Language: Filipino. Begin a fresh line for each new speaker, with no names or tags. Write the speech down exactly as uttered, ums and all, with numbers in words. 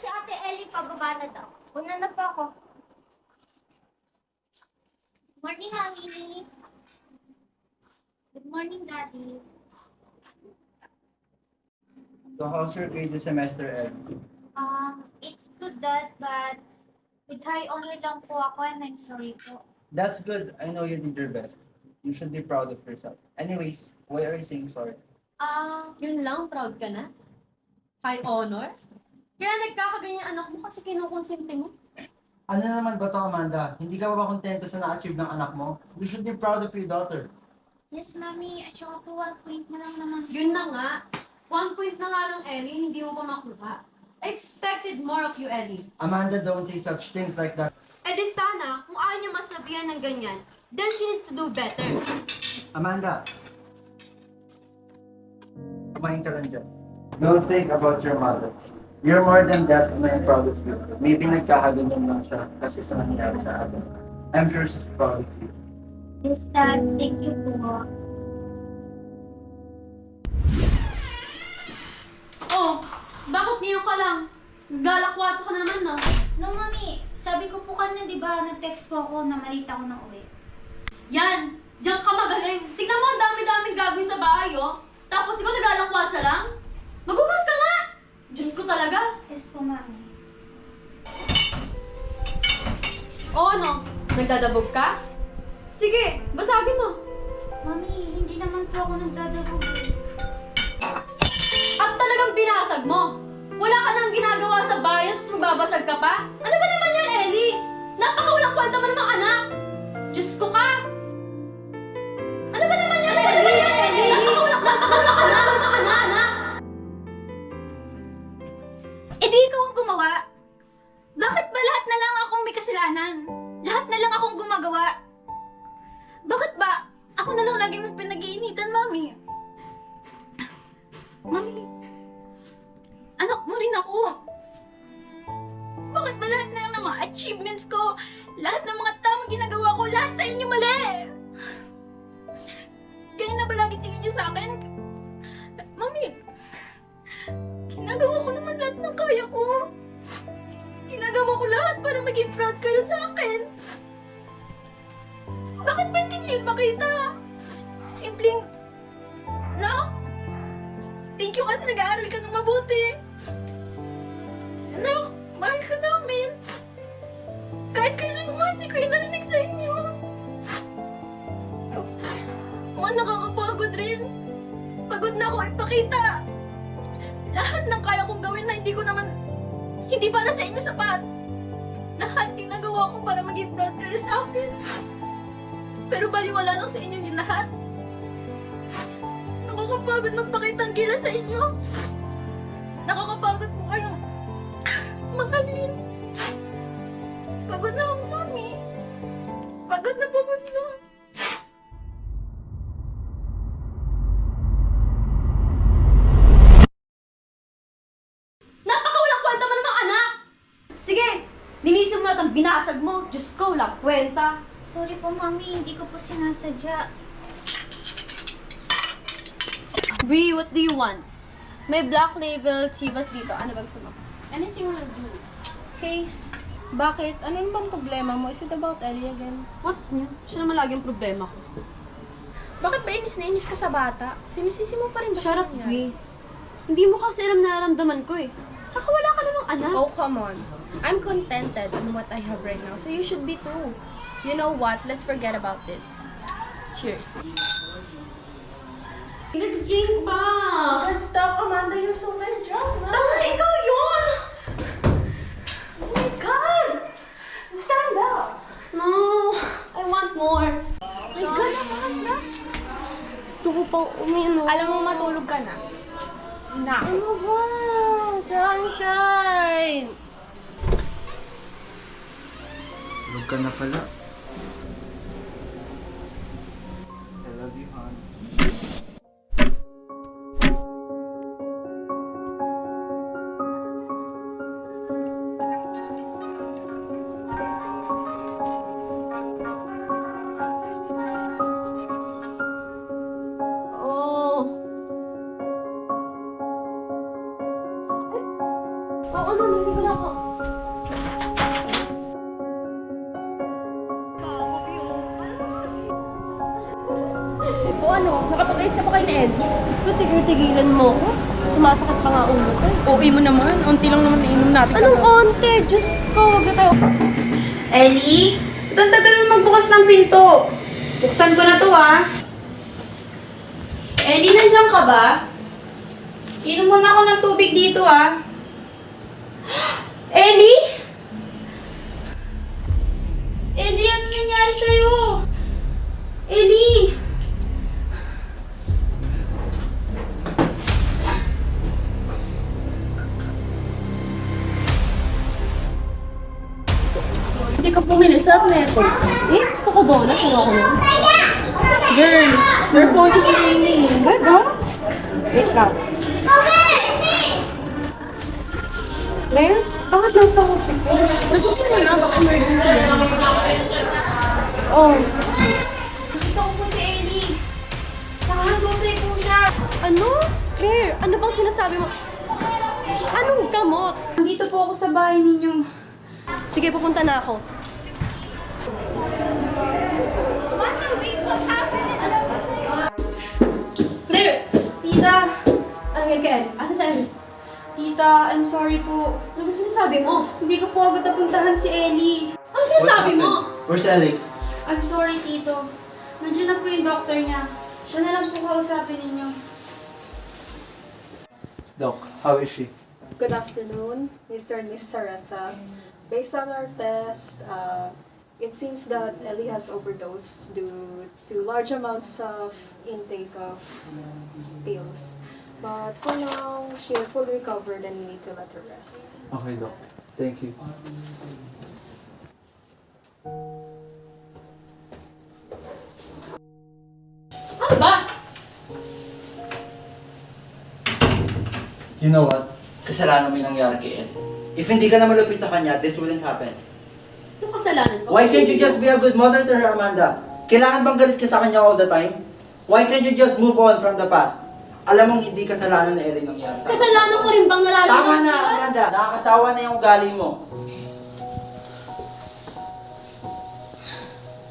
si Ate Ellie pababa na daw. Una na po ako. Morning, Mami. Good morning, Daddy.
So how's your grade this semester, Ed?
Um, it's good, Dad, but with high honor lang po ako and I'm sorry po.
That's good. I know you did your best. You should be proud of yourself. Anyways, why are you saying sorry?
Um,
Yun lang, proud ka na? High honor? Kaya nagkakaganyan anak mo kasi kinukonsente mo?
Ano naman ba to, Amanda? Hindi ka ba ba kontento sa na-achieve ng anak mo? You should be proud of your daughter.
yes, Mami. At saka po one point na lang naman. po.
Yun na nga. One point na nga lang, Ellie, hindi mo pa makuha. I expected more of you, Ellie.
Amanda, don't say such things like that.
Eh di sana, kung ayaw niya masabihan ng ganyan, then she needs to do better.
Amanda! Kumain ka lang dyan. Don't think about your mother. You're more than that and I'm proud of you. Maybe nagkakaganyan lang siya kasi sa nangyari sa atin. I'm sure she's proud of you.
Yes, Dad. Thank you po.
Oh, bakit niyo ka lang? Galakwatso ka na naman, no?
No, Mami. Sabi ko po kanina, di ba, nag-text po ako na malita ko na uwi.
Yan! Diyan ka magaling! Tignan mo, ang dami-daming gagawin sa bahay, oh! Tapos ikaw naglalakwatsa lang? Magugas ka nga! Diyos ko talaga!
Yes po, Mami.
O ano? Nagdadabog ka? Sige, basagin mo!
Mami, hindi naman po ako nagdadabog.
At talagang binasag mo! Wala ka nang ginagawa sa bahay tapos magbabasag ka pa? Ano ba naman yan, Ellie? Napakawalang kwenta mo namang anak! Diyos ko ka! Ano ba naman yan, Ellie? Napakawalang kwenta mo namang anak! Namang anak, anak!
Eh di ikaw ang gumawa. Bakit ba lahat na lang akong may kasalanan? Lahat na lang akong gumagawa. Bakit ba ako na lang lagi mong pinag-iinitan, Mami? Mami, anak mo rin ako. Bakit ba lahat na lang ng mga achievements ko, lahat ng mga tamang ginagawa ko, lahat sa inyo mali? Ganyan na ba lagi tingin niyo sa akin? Mami, ginagawa ko naman lahat ng kaya ko. Ginagawa ko lahat para maging proud kayo sa akin. Bakit ba hindi niyo yun makita? Simpleng, no? Thank you kasi nag-aaral ka ng mabuti. Anak, mahal ka namin. Kahit kailan naman, hindi ko yung narinig sa inyo. Oo, nakakapagod rin. Pagod na ako ipakita. Lahat ng kaya kong gawin na hindi ko naman, hindi para sa inyo sapat. Lahat ginagawa ko para maging proud kayo sa akin. Pero baliwala lang sa inyo din lahat. Nakakapagod magpakita ang gila sa inyo. Nakakapagod po kayong mahalin. Pagod na ako, Mami. Pagod na pagod na.
Napakawalang kwenta mo namang anak! Sige, linisin mo na ang binasag mo. Diyos ko, walang kwenta.
Sorry po, Mami. Hindi ko po sinasadya.
Bree, what do you want? May black label chivas dito. Ano ba gusto mo?
Anything will do.
Okay.
Bakit? Ano naman bang problema mo? Is it about Ellie again?
What's new? Siya naman lagi ang problema ko.
Bakit ba inis na inis ka sa bata? Sinisisi mo pa rin ba
Shut
siya
up,
niya?
Bree. Hindi mo kasi alam nararamdaman ko eh. Tsaka wala ka namang anak.
Oh, come on. I'm contented on what I have right now, so you should be too. You know what? Let's forget about this. Cheers.
Let's drink pa!
Let's stop, Amanda. You're so very drunk now.
Tama, ikaw yun!
Oh my God! Stand up!
No, I want more.
Oh my God, Amanda!
Gusto ko pang uminom.
Alam mo, matulog ka na. Na.
Ano ba? Sunshine!
Tulog ka na pala. I love you, hon.
Oh. Oo, mami, hindi ko na ako
ano, nakapag-ayos na ba kayo ni Ed?
Diyos ko, tigil-tigilan mo ko. Sumasakit pa nga ulo ko.
O, mo naman. Unti lang naman inom natin.
Anong onte? Diyos ko, wag na tayo.
Ellie, ba't ang tagal mo magbukas ng pinto? Buksan ko na to, ah. Ellie, nandiyan ka ba? Inom muna ako ng tubig dito, ah. Ellie? Ellie, ano nangyari sa'yo? Ellie!
Hindi ka pumili sa neto.
Eh, gusto ko doon. Nakuha ko na.
Girl, your phone is ringing.
Gaga? Wait lang. Claire, bakit lang pa ako sa
Sagutin mo na, baka emergency yan.
Oh,
Nakita ko po si Ellie. Nakahandusay po siya.
ano? Claire, ano bang sinasabi mo? Anong gamot?
Nandito po ako sa bahay ninyo.
Sige, pupunta na ako.
Claire! Tita!
Ano yan ka, El? Asa sa El?
Tita, I'm sorry po.
Ano ba sinasabi mo?
Hindi ko po agad napuntahan si Ellie.
Ano sinasabi mo?
Where's Ellie?
I'm sorry, Tito. Nandiyan na po yung doctor niya. Siya na lang po kausapin ninyo.
Doc, how is she?
Good afternoon, Mister and Missus Arasa. Based on our test, uh, it seems that Ellie has overdosed due to large amounts of intake of pills. But for now, she is fully recovered and we need to let her rest.
Okay, Doc. Thank you.
Ano ba?
You know what? Kasalanan mo yung nangyari kay Ed. If hindi ka na malupit sa kanya, this wouldn't happen.
Sa kasalanan ko?
Why can't you just be a good mother to her, Amanda? Kailangan bang galit ka sa kanya all the time? Why can't you just move on from the past? Alam mong hindi kasalanan ni Ellie nangyari sa
Kasalanan ko rin bang nararamdaman
Tama na,
ko yun?
Amanda! Nakakasawa na yung ugali mo.